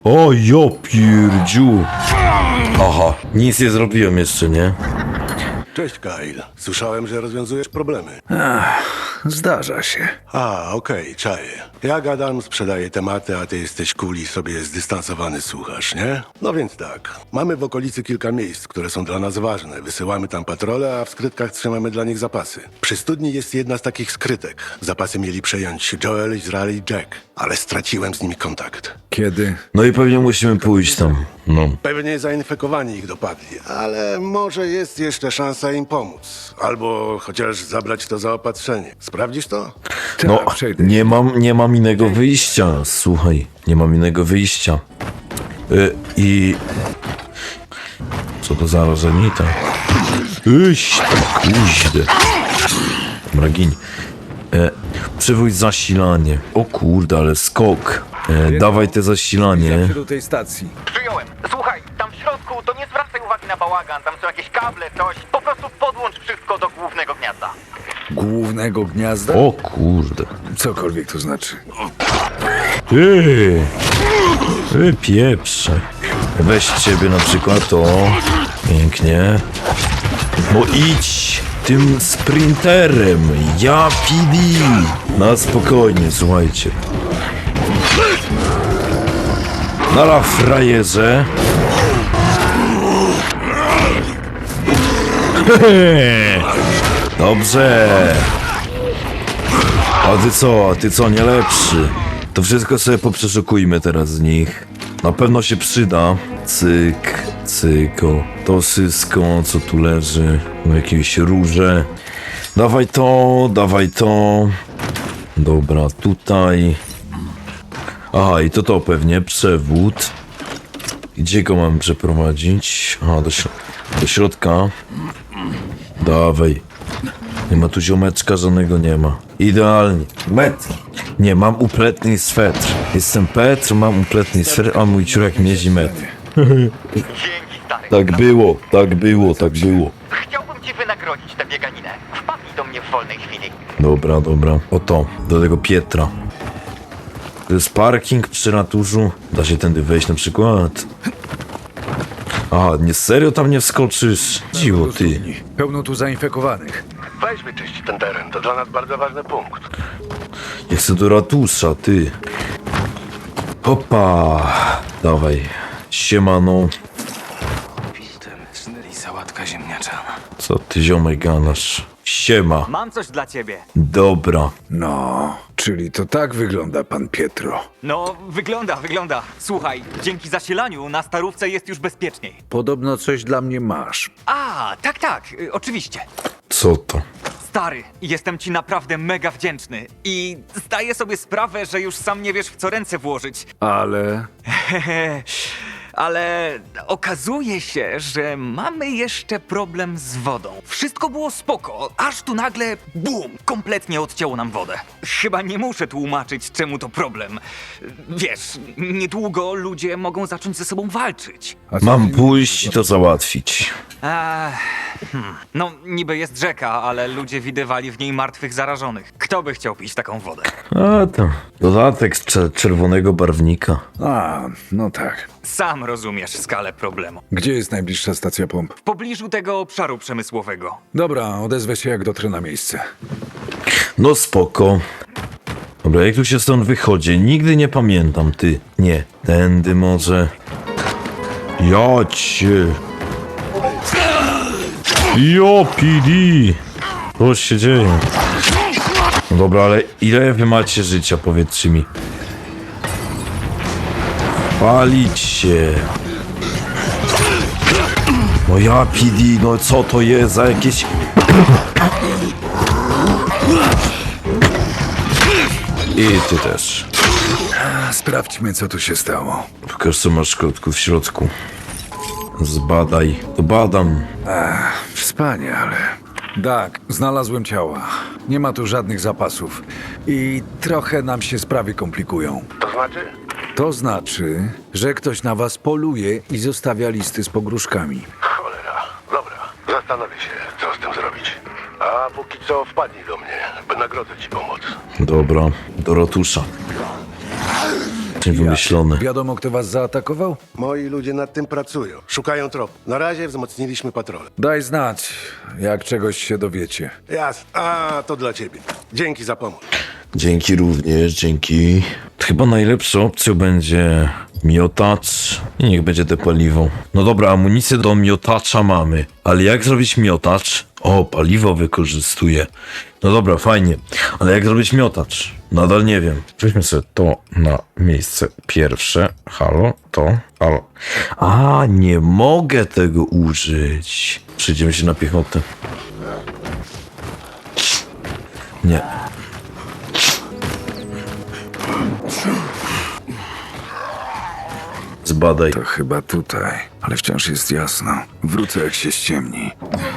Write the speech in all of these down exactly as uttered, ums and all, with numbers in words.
O, jo pierdziu. Aha, nic nie zrobiłem jeszcze, nie? Cześć, Kyle. Słyszałem, że rozwiązujesz problemy. Zdarza się. A, okej, czaję. Ja gadam, sprzedaję tematy, a ty jesteś cool i sobie zdystansowany słuchasz, nie? No więc tak. Mamy w okolicy kilka miejsc, które są dla nas ważne. Wysyłamy tam patrole, a w skrytkach trzymamy dla nich zapasy. Przy studni jest jedna z takich skrytek. Zapasy mieli przejąć Joel, Izrael i Jack, ale straciłem z nimi kontakt. Kiedy? No i pewnie musimy pójść tam. No. Pewnie zainfekowani ich dopadli, ale może jest jeszcze szansa im pomóc. Albo chociaż zabrać to zaopatrzenie. Sprawdzisz to? No, Tak, przejdę. nie mam, nie mam innego wyjścia. Słuchaj, nie mam innego wyjścia. Y, I... Co to za rozenita? Iść, kuźdę. Dobra, giń. E, przywódź zasilanie. O kurde, ale skok. E, dawaj te zasilanie. Do tej stacji. Przyjąłem. Słuchaj, tam w środku to nie zwracaj uwagi na bałagan, tam są jakieś kable, coś. Po prostu podłącz wszystko do głównego gniazda. Głównego gniazda? O kurde. Cokolwiek to znaczy. Ty, ty pieprze. Weź ciebie na przykład to. Pięknie. No idź tym sprinterem. Ja P D. Na spokojnie, słuchajcie. Nara frajerze. Dobrze. A ty co, a ty co, nie lepszy? To wszystko sobie poprzeszukujmy teraz z nich. Na pewno się przyda. Cyk, cyko. To wszystko, co tu leży. No jakieś róże. Dawaj to, dawaj to. Dobra, tutaj. Aha, i to to pewnie, przewód. Gdzie go mam przeprowadzić? Aha, do, śro do środka. Dawaj. Nie ma tu ziomeczka, żadnego nie ma. Idealnie. Metr. Nie, mam upletny swetr. Jestem Petr, mam upletny swetr, a mój ciurek mierzy metr. Dzięki, stary. Tak było, tak było, tak było. Chciałbym ci wynagrodzić tę bieganinę. Wpadnij do mnie w wolnej chwili. Dobra, dobra. Oto, do tego Pietra. To jest parking przy ratuszu. Da się tędy wejść na przykład. Aha, nie serio tam nie wskoczysz? Dziwo ty. Pełno tu zainfekowanych. Weź wyczyść ten teren, to dla nas bardzo ważny punkt. Nie chcę do ratusza, ty. Hopa. Dawaj. Siemano. Szneli sałatka ziemniaczana. Co ty ziomek ganasz? Siema. Mam coś dla ciebie. Dobra. No, czyli to tak wygląda pan Pietro. No, wygląda, wygląda. Słuchaj, dzięki zasilaniu na starówce jest już bezpieczniej. Podobno coś dla mnie masz. A, tak, tak, y, oczywiście. Co to? Stary, jestem ci naprawdę mega wdzięczny i zdaję sobie sprawę, że już sam nie wiesz, w co ręce włożyć. Ale... Ale okazuje się, że mamy jeszcze problem z wodą. Wszystko było spoko, aż tu nagle bum, kompletnie odcięło nam wodę. Chyba nie muszę tłumaczyć, czemu to problem. Wiesz, niedługo ludzie mogą zacząć ze sobą walczyć. A co Mam ty- pójść i to załatwić. Eee, hmm. No, niby jest rzeka, ale ludzie widywali w niej martwych zarażonych. Kto by chciał pić taką wodę? A to dodatek z cze- czerwonego barwnika. A, no tak. Sam rozumiesz skalę problemu. Gdzie jest najbliższa stacja pomp? W pobliżu tego obszaru przemysłowego. Dobra, odezwę się jak dotrę na miejsce. No spoko. Dobra, jak tu się stąd wychodzi? Nigdy nie pamiętam, ty. Nie, tędy może. Ja cię. Jo, P D. Co się dzieje? No dobra, ale ile wy macie życia, powiedzcie mi. Palić się. No ja P D, no co to jest za jakieś... I ty też. A, sprawdźmy, co tu się stało. Pokaż, co masz w środku, w środku. Zbadaj. To badam. Wspaniale. Tak, znalazłem ciała. Nie ma tu żadnych zapasów. I trochę nam się sprawy komplikują. To znaczy? To znaczy, że ktoś na was poluje i zostawia listy z pogróżkami. Cholera. Dobra, zastanowię się, co z tym zrobić. A póki co wpadnij do mnie. Wynagrodzę ci pomoc. Dobra, do ratusza. Czym wymyślone. Wiadomo, kto was zaatakował? Moi ludzie nad tym pracują. Szukają tropu. Na razie wzmocniliśmy patrole. Daj znać, jak czegoś się dowiecie. Jasne. A, to dla ciebie. Dzięki za pomoc. Dzięki również, dzięki. Chyba najlepszą opcją będzie miotacz i niech będzie te paliwo. No dobra, amunicję do miotacza mamy, ale jak zrobić miotacz? O, paliwo wykorzystuję. No dobra, fajnie, ale jak zrobić miotacz? Nadal nie wiem. Weźmy sobie to na miejsce pierwsze. Halo, to, halo. A, nie mogę tego użyć. Przejdziemy się na piechotę. Nie. Zbadaj. To chyba tutaj, ale wciąż jest jasno. Wrócę, jak się ściemni.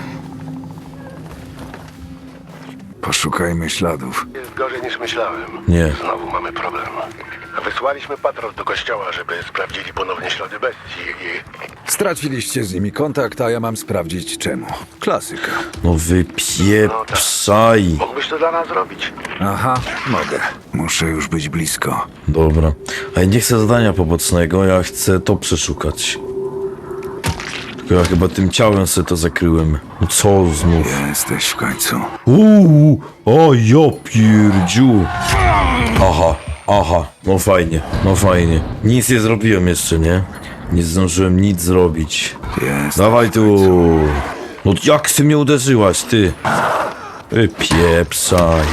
Poszukajmy śladów. Jest gorzej niż myślałem. Nie. Znowu mamy problem. Wysłaliśmy patrol do kościoła, żeby sprawdzili ponownie ślady bestii i... Straciliście z nimi kontakt, a ja mam sprawdzić czemu. Klasyka. No wypieprzaj. Mógłbyś to dla nas zrobić? Aha, mogę. Muszę już być blisko. Dobra. A ja nie chcę zadania pobocznego, ja chcę to przeszukać. Tylko ja chyba tym ciałem sobie to zakryłem. No co znów? Jesteś w końcu. Uuu, o ja pierdziu. Aha, aha, no fajnie, no fajnie. Nic nie zrobiłem jeszcze, nie? Nie zdążyłem nic zrobić. Jest. Dawaj tu. No jak ty mnie uderzyłaś, ty? Wypieprzaj.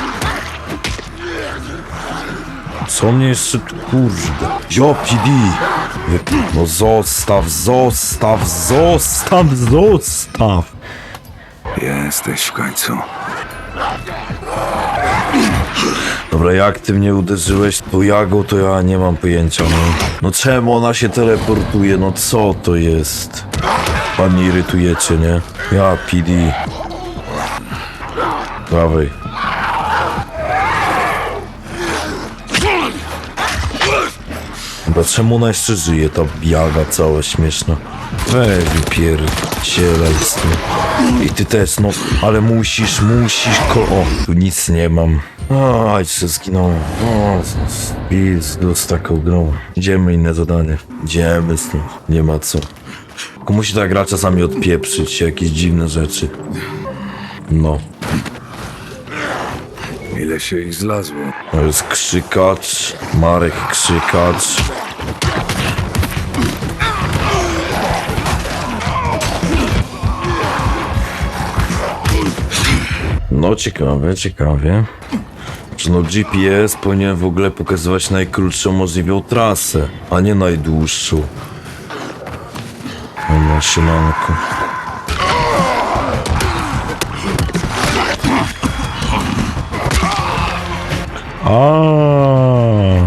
Co mnie jeszcze tu, kurde? Jo, P D. Wy- No zostaw, zostaw, zostaw, zostaw. Jesteś w końcu. Dobra, jak ty mnie uderzyłeś tą jagą, to ja nie mam pojęcia, no. No czemu ona się teleportuje, no co to jest? Pan mnie irytujecie, nie? Ja, P D. Dawaj. Dobra, czemu ona jeszcze żyje, ta jaga cała śmieszna? Weź wypierdzielaj z tym. I ty też, no, ale musisz, musisz, ko... O, tu nic nie mam. A, jeszcze zginąłem. O, z, z taką grą. Idziemy inne zadanie. Idziemy z tym. Nie ma co. Tylko musi ta gra czasami odpieprzyć jakieś dziwne rzeczy. No. Ile się ich zlazło? To jest krzykacz. Marek krzykacz. No ciekawe, ciekawie. Że no G P S powinien w ogóle pokazywać najkrótszą możliwą trasę, a nie najdłuższą. O maszynanko. A.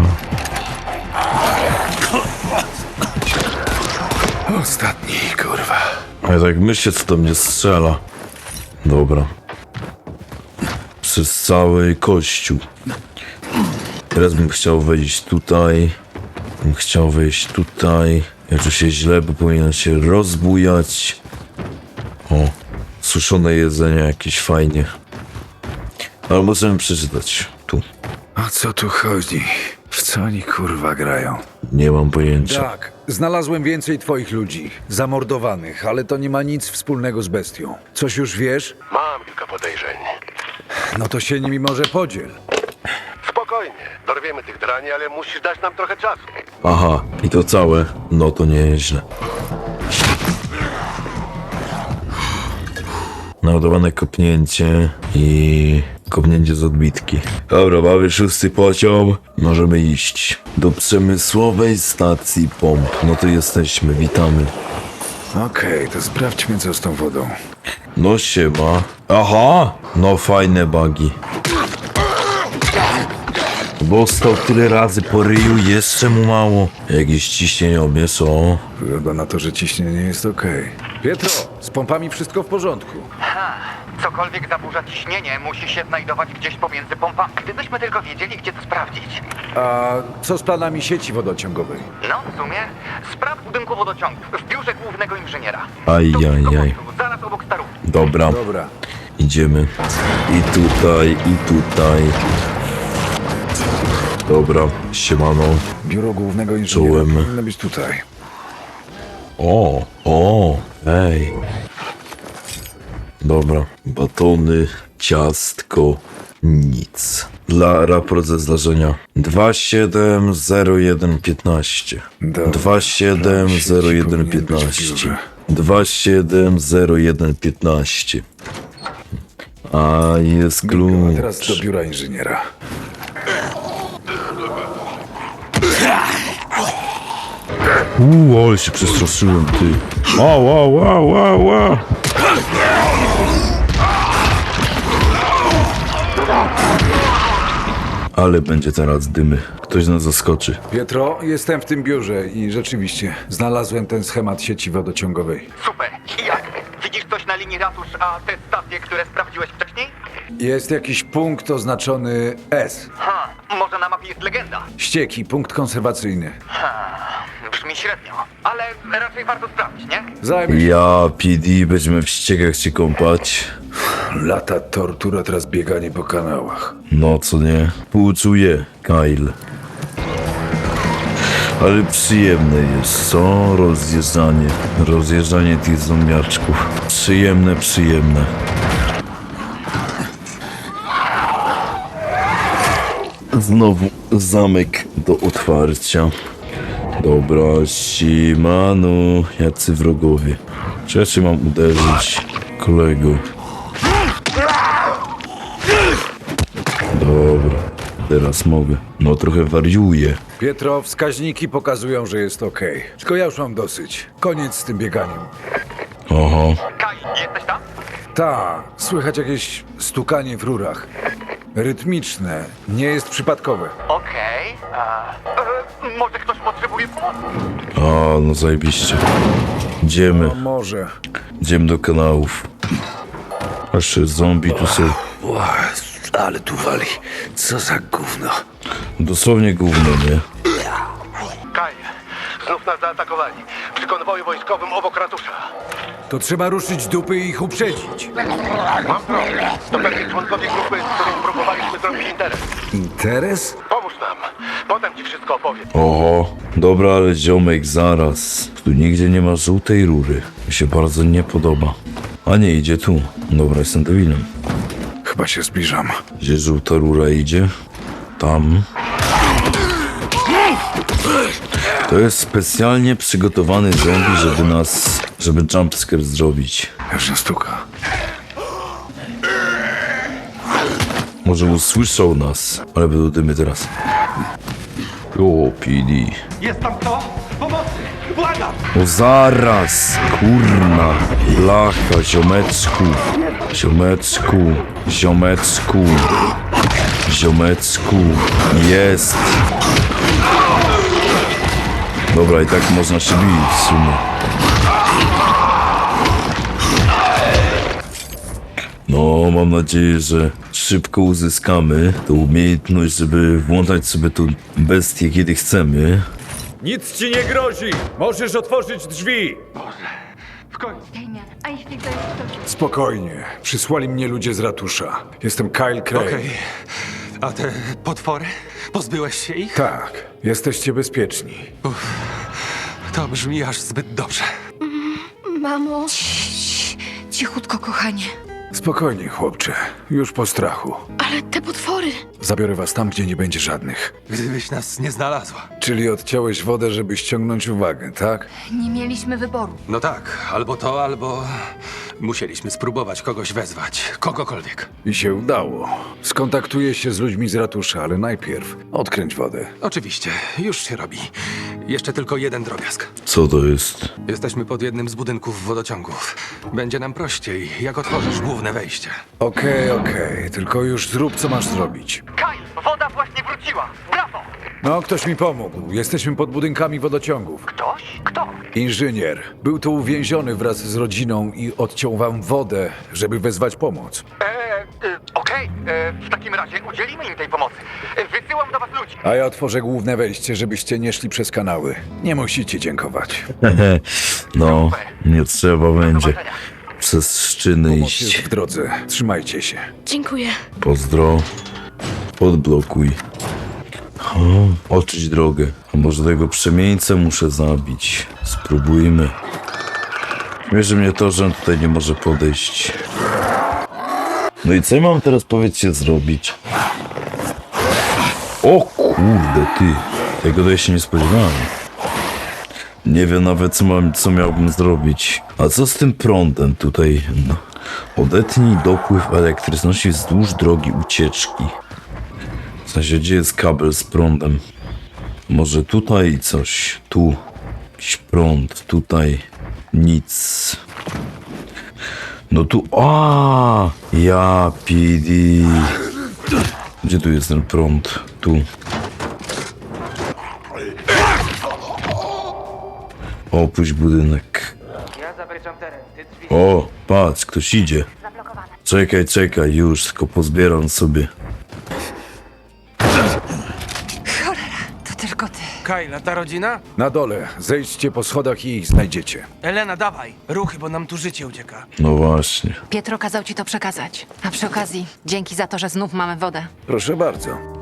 Ostatni, kurwa. A ja tak myślę, co do mnie strzela. Dobra. Przez cały kościół. Teraz bym chciał wejść tutaj. Bym chciał wejść tutaj. Ja czuję się źle, bo powinien się rozbujać. O, suszone jedzenie jakieś fajnie. Ale możemy przeczytać. Tu. O co tu chodzi? W co oni kurwa grają? Nie mam pojęcia. Tak, znalazłem więcej twoich ludzi. Zamordowanych, ale to nie ma nic wspólnego z bestią. Coś już wiesz? Mam kilka podejrzeń. No to się nimi może podziel. Spokojnie. Dorwiemy tych drani, ale musisz dać nam trochę czasu. Aha, i to całe? No to nieźle. Naładowane kopnięcie i kopnięcie z odbitki. Dobra, mamy szósty poziom. Możemy iść do przemysłowej stacji pomp. No to jesteśmy, witamy. Okej, to sprawdźmy co z tą wodą. No siema. Aha! No fajne bugi. Bo stał tyle razy po ryju, jeszcze mu mało. Jakieś ciśnieniomierz, o. Wygląda na to, że ciśnienie jest okej. Pietro, z pompami wszystko w porządku. Ha, cokolwiek zaburza ciśnienie, musi się znajdować gdzieś pomiędzy pompami. Gdybyśmy tylko wiedzieli, gdzie to sprawdzić. A co z planami sieci wodociągowej? No, w sumie, spraw budynku wodociągów w biurze głównego inżyniera. Aj, To aj, blisko aj. portu, zaraz obok starówki. Dobra, Dobra. idziemy. I tutaj, i tutaj. Dobra, siemano. Biuro głównego inżyniera Czułem. powinno być tutaj. O, o, ej. Dobra, batony, ciastko, nic. Dla raport ze zdarzenia dwa siedem zero jeden piętnaście. Dobra. dwa siedem zero jeden piętnaście. dwa siedem zero jeden piętnaście. A jest A klucz. teraz do biura inżyniera. Uuu, ale się przestraszyłem, ty. Ła, ła, ła, ła, ła. Ale będzie teraz dymy. Ktoś nas zaskoczy. Pietro, jestem w tym biurze i rzeczywiście znalazłem ten schemat sieci wodociągowej. Super. I jak? Widzisz coś na linii ratusz, a te stacje, które sprawdziłeś wcześniej? Jest jakiś punkt oznaczony S. Ha, może na mapie jest legenda. Ścieki, punkt konserwacyjny. Ha, brzmi średnio, ale raczej warto sprawdzić, nie? Zajmij się. Ja, P D, będziemy w ściekach się kąpać. Lata tortura, teraz bieganie po kanałach. No, co nie? Współczuję, Kyle. Ale przyjemne jest, co? Rozjeżdżanie. Rozjeżdżanie tych zombiaczków. Przyjemne, przyjemne. Znowu zamek do otwarcia. Dobra, siemano, jacy wrogowie. Czy ja się mam uderzyć, kolego? Dobra, teraz mogę. No trochę wariuję. Pietro, wskaźniki pokazują, że jest okej. Tylko ja już mam dosyć. Koniec z tym bieganiem. Oho, Kai, jesteś tam? Ta, słychać jakieś stukanie w rurach. Rytmiczne, nie jest przypadkowe. Okej. a, e, Może ktoś potrzebuje pomocy? a no zajebiście. Idziemy, No może. idziemy do kanałów. Aż zombie tu są. Ale tu wali. Co za gówno. Dosłownie gówno, nie? Kaj, znów nas zaatakowali. Przy konwoju wojskowym obok ratusza. To trzeba ruszyć dupy i ich uprzedzić. Mam problem. To pewnie członkowie grupy, z którą próbowaliśmy zrobić interes. Interes? Pomóż nam. Potem ci wszystko opowiem. Oho, dobra, ale ziomek, zaraz. Tu nigdzie nie ma żółtej rury. Mi się bardzo nie podoba. A nie, idzie tu. Dobra, jestem debilem. Chyba się zbliżam. Gdzie żółta rura idzie? Tam. To jest specjalnie przygotowany zombie, żeby nas... żeby jumpscare zrobić. Już nie stuka. Może usłyszał nas, ale będą dymy teraz. O, P D. Jest tam kto? Pomocy! Błagam! O, zaraz! Kurna! Blacha, ziomeczku! Ziomeczku! Ziomeczku! Ziomeczku! Jest! Dobra, i tak można się bić w sumie. No, mam nadzieję, że szybko uzyskamy tę umiejętność, żeby włączać sobie tą bestię, kiedy chcemy. Nic ci nie grozi! Możesz otworzyć drzwi! Damian, a jeśli to jest ktoś... Spokojnie. Przysłali mnie ludzie z ratusza. Jestem Kyle Cray. Okej. A te potwory? Pozbyłeś się ich? Tak, jesteście bezpieczni. To brzmi aż zbyt dobrze. Mamo... Cichutko, kochanie. Spokojnie, chłopcze. Już po strachu. Ale te potwory... Zabiorę was tam, gdzie nie będzie żadnych. Gdybyś nas nie znalazła. Czyli odciąłeś wodę, żeby ściągnąć uwagę, tak? Nie mieliśmy wyboru. No tak, albo to, albo musieliśmy spróbować kogoś wezwać. Kogokolwiek. I się udało. Skontaktuję się z ludźmi z ratusza, ale najpierw odkręć wodę. Oczywiście, już się robi. Jeszcze tylko jeden drobiazg. Co to jest? Jesteśmy pod jednym z budynków wodociągów. Będzie nam prościej, jak otworzysz główne wejście. Okej, okej, tylko już zrób, co masz zrobić. Kai, woda właśnie wróciła! Brawo! No, ktoś mi pomógł. Jesteśmy pod budynkami wodociągów. Ktoś? Kto? Inżynier. Był tu uwięziony wraz z rodziną i odciął wam wodę, żeby wezwać pomoc. Eee, e, okej, e, w takim razie udzielimy im tej pomocy. E, Wysyłam do was ludzi. A ja otworzę główne wejście, żebyście nie szli przez kanały. Nie musicie dziękować. No, nie trzeba będzie zobaczenia. przez szczyny Pomoc jest iść. w drodze. Trzymajcie się. Dziękuję. Pozdro. Podblokuj. O, oczyść drogę. A może tego przemieńcę muszę zabić. Spróbujmy. Mierzy mnie to, że on tutaj nie może podejść. No i co ja mam teraz, powiedzcie, zrobić? O kurde, ty. Tego to ja się nie spodziewałem. Nie wiem nawet, co, mam, co miałbym zrobić. A co z tym prądem tutaj? No. Odetnij dopływ elektryczności wzdłuż drogi ucieczki. W sensie, gdzie jest kabel z prądem? Może tutaj coś. Tu. Jakiś prąd. Tutaj. Nic. No tu... A, ja P D. Gdzie tu jest ten prąd? Tu. Opuść budynek. Ja zabezpieczam teren. Ty drzwi. O, patrz, ktoś idzie. Czekaj, czekaj, już, tylko pozbieram sobie. To tylko ty. Kajla, ta rodzina? Na dole, zejdźcie po schodach i ich znajdziecie. Elena, dawaj. Ruchy, bo nam tu życie ucieka. No właśnie. Pietro kazał ci to przekazać. A przy okazji, dzięki za to, że znów mamy wodę. Proszę bardzo.